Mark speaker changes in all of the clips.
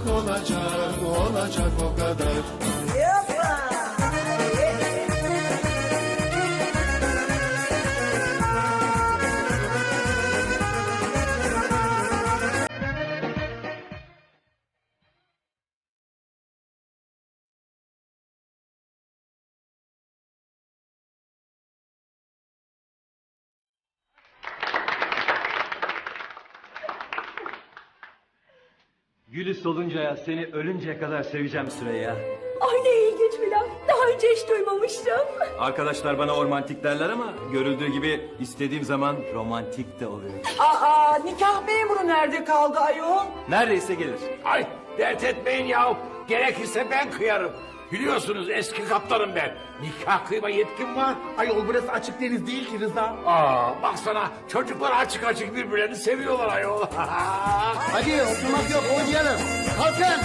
Speaker 1: olacak o kadar.
Speaker 2: Gülü soluncaya seni ölünceye kadar seveceğim Süreyya.
Speaker 3: Ay ne ilginç bir laf. Daha önce hiç duymamıştım.
Speaker 2: Arkadaşlar bana ormantik derler ama görüldüğü gibi istediğim zaman romantik de oluyor.
Speaker 4: Aa, nikah memuru nerede kaldı ayol?
Speaker 2: Neredeyse gelir.
Speaker 5: Ay dert etmeyin yahu. Gerekirse ben kıyarım. Biliyorsunuz eski kaptanım ben. Nikah kıyma yetkim var.
Speaker 6: Ayol burası açık deniz değil ki Rıza.
Speaker 5: Aa baksana çocuklar açık açık birbirlerini seviyorlar ayol.
Speaker 6: Hadi oturmak yok oynayalım. Kalkın.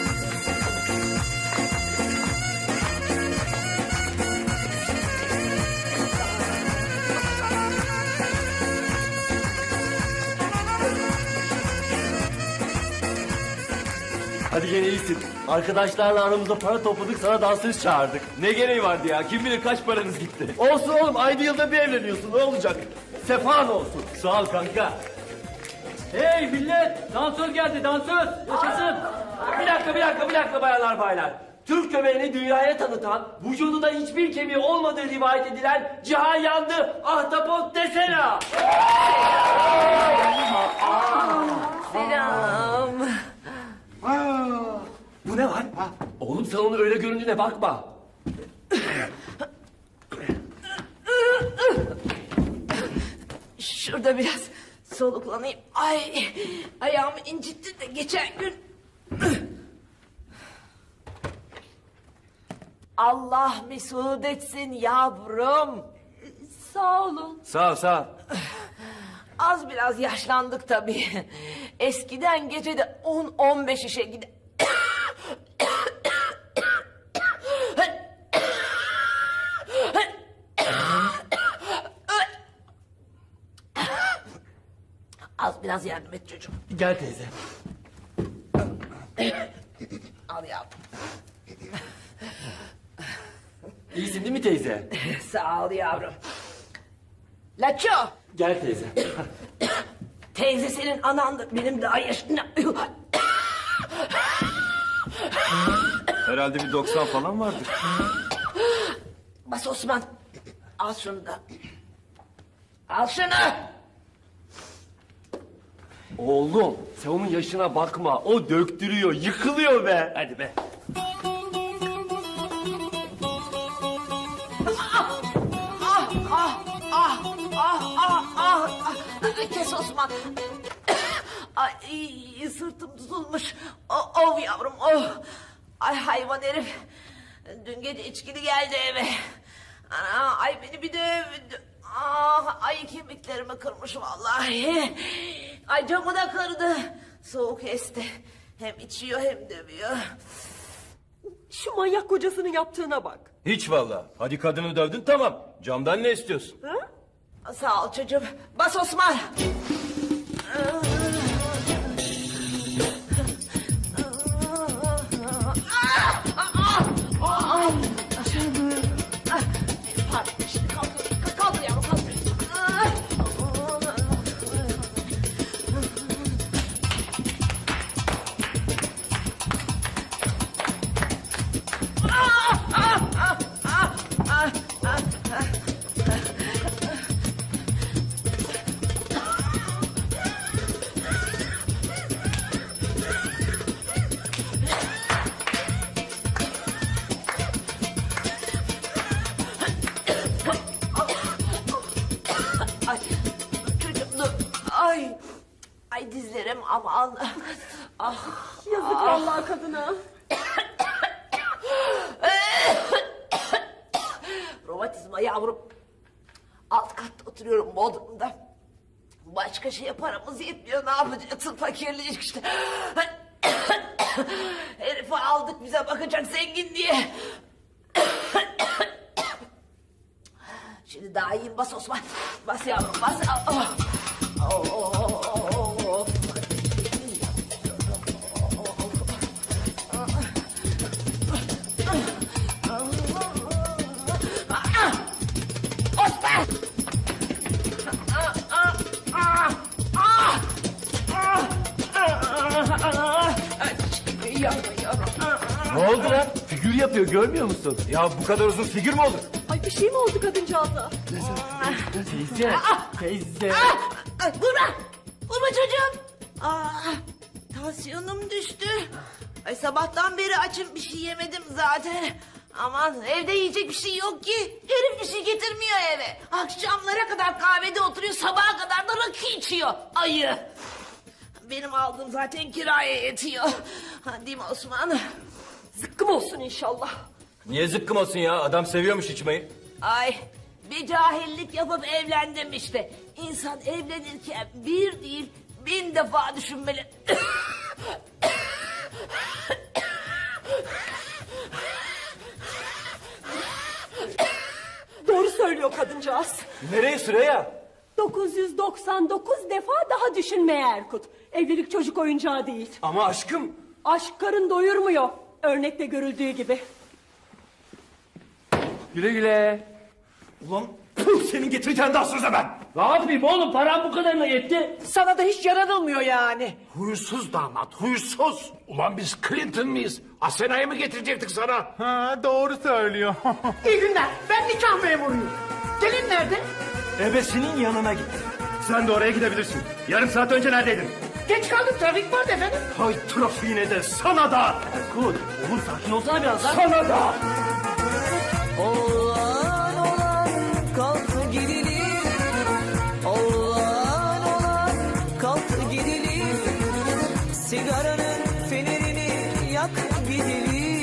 Speaker 2: Hadi gene iyisin. Arkadaşlarla aramızda para topladık, sana dansöz çağırdık. Ne gereği vardı ya? Kim bilir kaç paranız gitti. Olsun oğlum, ayda yılda bir evleniyorsun. Ne olacak? Sefan olsun. Sağ ol kanka. Hey millet! Dansöz geldi, dansöz! Yaşasın! Bir dakika bayanlar baylar. Türk köpeğini dünyaya tanıtan, vücudunda hiçbir kemiği olmadığı rivayet edilen Cihan Yandı Ahtapot desene!
Speaker 3: Selam.
Speaker 2: Bu ne var? Oğlum sen onu öyle göründüğüne bakma.
Speaker 3: Şurada biraz soluklanayım. Ay ayağımı incitti de geçen gün. Allah mesut etsin yavrum. Sağ olun.
Speaker 2: Sağ ol.
Speaker 3: Az biraz yaşlandık tabii. Eskiden gecede 10-15 işe gider. Az biraz yardım et çocuğum.
Speaker 2: Gel teyze.
Speaker 3: Al yavrum.
Speaker 2: İyisin değil mi teyze?
Speaker 3: Sağ ol yavrum. Laço.
Speaker 2: Gel teyze.
Speaker 3: Teyze senin anandır. Benim daha yaşında.
Speaker 2: Herhalde bir 90 falan vardır.
Speaker 3: Bas Osman. Al şunu da. Al şunu.
Speaker 2: Oğlum sen onun yaşına bakma. O döktürüyor, yıkılıyor be. Hadi be.
Speaker 3: Kes Osman. Ay sırtım tutulmuş. Of yavrum oh. Ay hayvan herif. Dün gece içkili geldi eve. Ana, ay beni bir dövdü. Ah, ay kemiklerimi kırmış vallahi. Ay camı da kırdı. Soğuk esti. Hem içiyor hem dövüyor.
Speaker 4: Şu manyak kocasının yaptığına bak.
Speaker 2: Hiç valla. Hadi kadını dövdün tamam. Camdan ne istiyorsun?
Speaker 3: Sağ ol çocuğum. Bas Osman. Pardon, şimdi kaldır yavrum kaldır. Ay çocuğum dur. Ay dizlerim aman. Ah.
Speaker 4: Yazık vallahi kadına.
Speaker 3: Romatizma yavrum. Alt katta oturuyorum Bodrum'da. Başka şeye paramız yetmiyor. Ne yapacaksın fakirlik işte. Herifi aldık bize bakacak zengin diye. Şimdi daha iyiyim bas Osman. Bas yavrum bas. Oh. Oh. Yanıyorum.
Speaker 2: Ne oldu lan? Figür yapıyor görmüyor musun? Ya bu kadar uzun figür mü olur?
Speaker 4: Ay bir şey mi oldu kadıncağıza?
Speaker 2: Teyze. Teyze.
Speaker 3: Ay, vurma. Vurma çocuğum. Tansiyonum düştü. Ay sabahtan beri açım, bir şey yemedim zaten. Aman evde yiyecek bir şey yok ki. Herif bir şey getirmiyor eve. Akşamlara kadar kahvede oturuyor, sabaha kadar da rakı içiyor. Ayı. Benim aldığım zaten kiraya yetiyor. Ha, değil mi Osman?
Speaker 4: Zıkkım olsun inşallah.
Speaker 2: Niye zıkkım olsun ya? Adam seviyormuş içmeyi.
Speaker 3: Ay bir cahillik yapıp evlendim işte. İnsan evlenirken bir değil 1000 defa düşünmeli.
Speaker 4: Doğru söylüyor kadıncağız.
Speaker 2: Nereye Süreyya?
Speaker 4: 999 defa daha düşünmeye Erkut. Evlilik çocuk oyuncağı değil.
Speaker 2: Ama aşkım.
Speaker 4: Aşk karın doyurmuyor. Örnekte görüldüğü gibi.
Speaker 2: Güle güle.
Speaker 5: Ulan puh, senin getireceğin daha sözle ben.
Speaker 2: Ne yapayım oğlum param bu kadarına yetti.
Speaker 1: Sana da hiç yaranılmıyor yani.
Speaker 5: Huysuz damat, huysuz. Ulan biz Clinton mıyız? Asena'yı mı getirecektik sana?
Speaker 6: Ha, doğru söylüyor.
Speaker 1: İyi günler. Ben nikah memuruyum. Gelin nerede?
Speaker 2: Ebesinin yanına git. Sen de oraya gidebilirsin. Yarım saat önce neredeydin?
Speaker 1: Geç kaldım. Trafik vardı efendim.
Speaker 2: Hay trafiğine de sana da. Erkut oğlum sakin olsana biraz lan. Sana da.
Speaker 7: Olan olan kalk gidelim. Olan olan kalk gidelim. Sigaranın fenerini yak gidelim.